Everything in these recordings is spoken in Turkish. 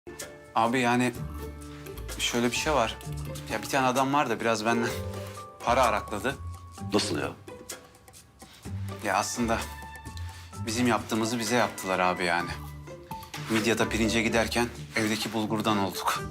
Abi yani şöyle bir şey var. Ya bir tane adam var da biraz benden para arakladı. Nasıl ya? Ya aslında bizim yaptığımızı bize yaptılar abi yani. Midyat'a pirince giderken evdeki bulgurdan olduk.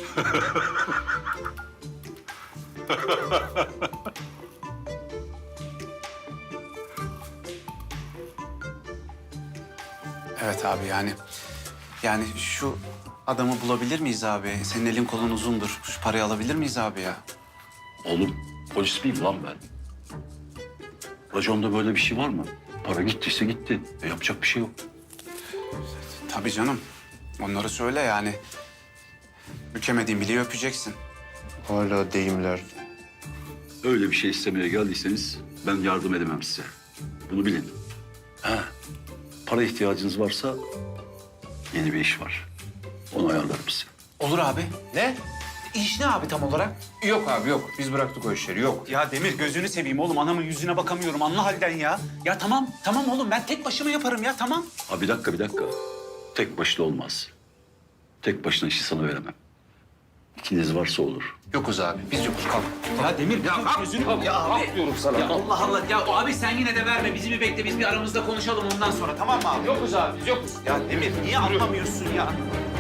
Evet abi yani şu adamı bulabilir miyiz abi? Senin elin kolun uzundur. Şu parayı alabilir miyiz abi ya? Oğlum polis miyim lan ben? Raconda böyle bir şey var mı? Para gittiyse gitti. Yapacak bir şey yok. Tabii canım. Onları söyle yani. Bükemediğin bileği öpeceksin. Hala deyimler. Öyle bir şey istemeye geldiyseniz ben yardım edemem size. Bunu bilin. Ha, para ihtiyacınız varsa yeni bir iş var. Onu ayarlarım size. Olur abi. Ne? İş ne abi tam olarak? Yok abi yok. Biz bıraktık o işleri. Yok. Ya Demir gözünü seveyim oğlum. Anamın yüzüne bakamıyorum. Anla halden ya. Ya tamam oğlum. Ben tek başıma yaparım ya tamam. Ha bir dakika. Tek başına olmaz. Tek başına işi sana veremem. İkiniz varsa olur. Yokuz abi. Biz yokuz. Kalk. Ya Demir gözünü... Ya abi. Diyorum sana. Ya Allah Allah. Ya abi sen yine de verme. Bizi bir bekle. Biz bir aramızda konuşalım ondan sonra. Tamam mı abi? Yokuz abi. Biz yokuz. Ya Demir niye anlamıyorsun ya?